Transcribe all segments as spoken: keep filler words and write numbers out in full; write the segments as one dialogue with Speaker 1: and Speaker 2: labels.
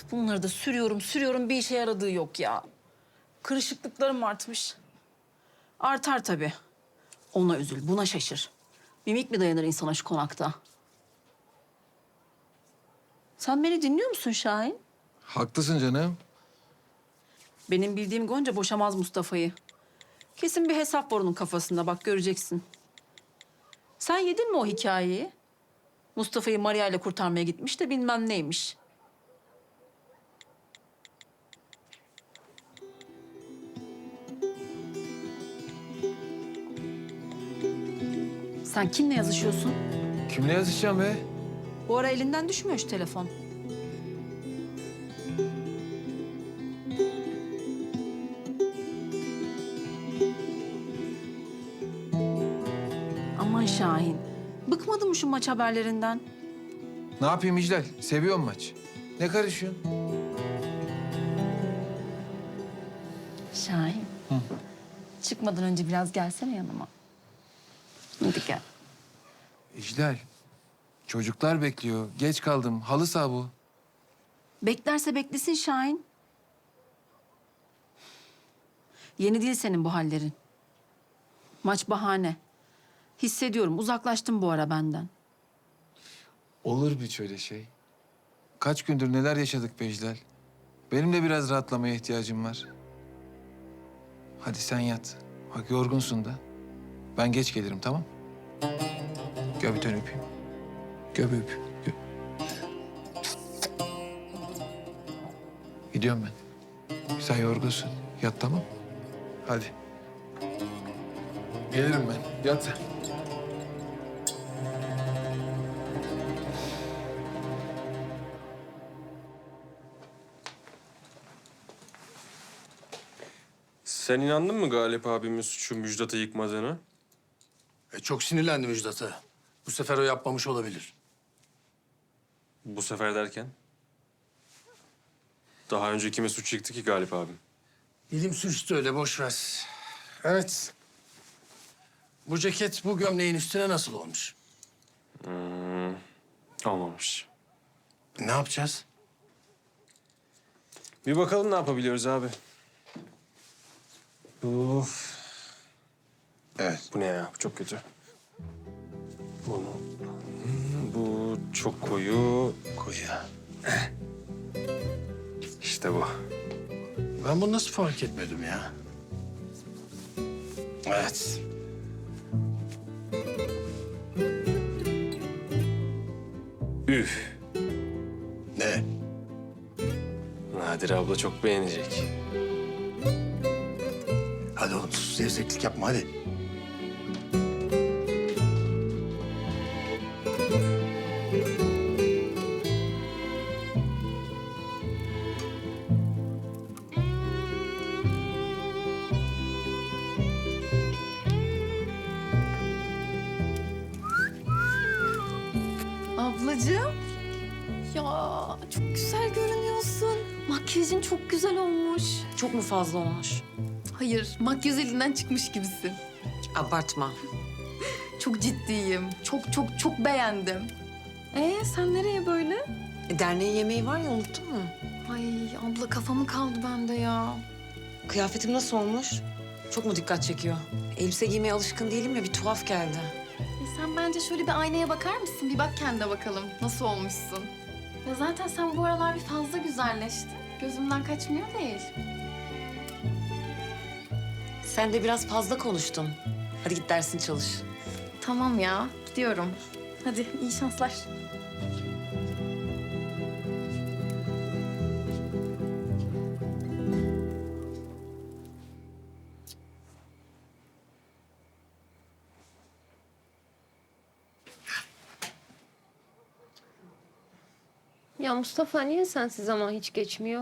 Speaker 1: Bunları da sürüyorum, sürüyorum. Bir işe yaradığı yok ya. Kırışıklıklarım artmış. Artar tabii. Ona üzül, buna şaşır. Mimik mi dayanır insana şu konakta? Sen beni dinliyor musun Şahin?
Speaker 2: Haklısın canım.
Speaker 1: Benim bildiğim Gonca boşamaz Mustafa'yı. Kesin bir hesap var onun kafasında, bak göreceksin. Sen yedin mi o hikayeyi? Mustafa'yı Maria ile kurtarmaya gitmiş de bilmem neymiş. Sen kimle yazışıyorsun?
Speaker 2: Kimle yazışacağım be?
Speaker 1: Bu ara elinden düşmüyor şu telefon. Aman Şahin, bıkmadın mı şu maç haberlerinden?
Speaker 2: Ne yapayım İclal? Seviyorum maç. Ne karışıyorsun?
Speaker 1: Şahin, çıkmadan önce biraz gelsene yanıma. Hadi gel.
Speaker 2: İclal, çocuklar bekliyor. Geç kaldım. Halı saha bu.
Speaker 1: Beklerse beklesin Şahin. Yeni değil senin bu hallerin. Maç bahane. Hissediyorum, uzaklaştın bu ara benden.
Speaker 2: Olur bir şöyle şey. Kaç gündür neler yaşadık be İclal. Benim de biraz rahatlamaya ihtiyacım var. Hadi sen yat. Bak yorgunsun da. Ben geç gelirim, tamam? Gel bir tane öpeyim. Gel bir öpeyim. Gel. Gidiyorum ben. Sen yorgunsun. Yat, tamam? Hadi. Gelirim ben. Yat sen.
Speaker 3: Sen inandın mı Galip abimin suçu Müjdat'ı yıkmadığını?
Speaker 4: E, çok sinirlendi Müjdat'a. Bu sefer o yapmamış olabilir.
Speaker 3: Bu sefer derken? Daha önce kime suç yıktı ki Galip abim?
Speaker 4: Dilim sürçtü öyle, boş ver. Evet. Bu ceket bu gömleğin üstüne nasıl olmuş?
Speaker 3: Olmamış.
Speaker 4: Ne yapacağız?
Speaker 3: Bir bakalım ne yapabiliyoruz abi. Uf.
Speaker 4: Evet.
Speaker 3: Bu ne ya? Bu çok kötü. Bunu. Hmm, Bu çok koyu.
Speaker 4: Koyu.
Speaker 3: İşte bu.
Speaker 4: Ben bunu nasıl fark etmedim ya? Evet.
Speaker 3: Üf.
Speaker 4: Ne?
Speaker 3: Nadir abla çok beğenecek.
Speaker 4: Hadi oğlum sus, zevzeklik yapma hadi.
Speaker 5: Ablacığım. Ya çok güzel görünüyorsun. Makyajın çok güzel olmuş.
Speaker 6: Çok mu fazla olmuş?
Speaker 5: Hayır, makyaj elinden çıkmış gibisin.
Speaker 6: Abartma.
Speaker 5: Çok ciddiyim. Çok çok çok beğendim. Ee sen nereye böyle?
Speaker 6: E, derneğin yemeği var ya, unuttun mu?
Speaker 5: Ay abla kafamı kaldı bende ya.
Speaker 6: Kıyafetim nasıl olmuş? Çok mu dikkat çekiyor? Elbise giymeye alışkın değilim ya, bir tuhaf geldi.
Speaker 5: E, sen bence şöyle bir aynaya bakar mısın? Bir bak kendine bakalım. Nasıl olmuşsun? Ya zaten sen bu aralar bir fazla güzelleştin. Gözümden kaçmıyor değil.
Speaker 6: Sen de biraz fazla konuştun. Hadi git dersini çalış.
Speaker 5: Tamam ya, gidiyorum. Hadi iyi şanslar.
Speaker 7: Ya Mustafa niye sensiz zaman hiç geçmiyor?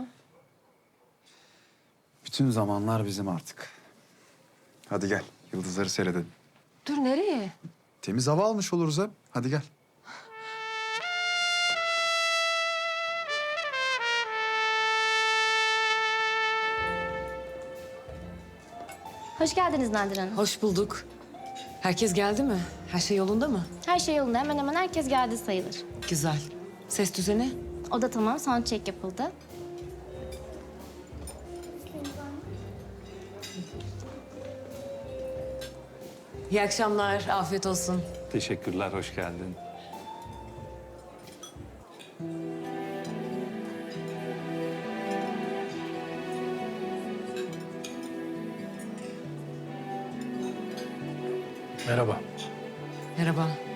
Speaker 8: Bütün zamanlar bizim artık. Hadi gel, yıldızları seyredelim.
Speaker 7: Dur nereye?
Speaker 8: Temiz hava almış oluruz hem. Hadi gel.
Speaker 9: Hoş geldiniz Nadir Hanım.
Speaker 6: Hoş bulduk. Herkes geldi mi? Her şey yolunda mı?
Speaker 9: Her şey yolunda. Hemen hemen herkes geldi sayılır.
Speaker 6: Güzel. Ses düzeni?
Speaker 9: O da tamam. Sound check yapıldı.
Speaker 6: İyi akşamlar, afiyet olsun.
Speaker 3: Teşekkürler, hoş geldin.
Speaker 4: Merhaba.
Speaker 6: Merhaba.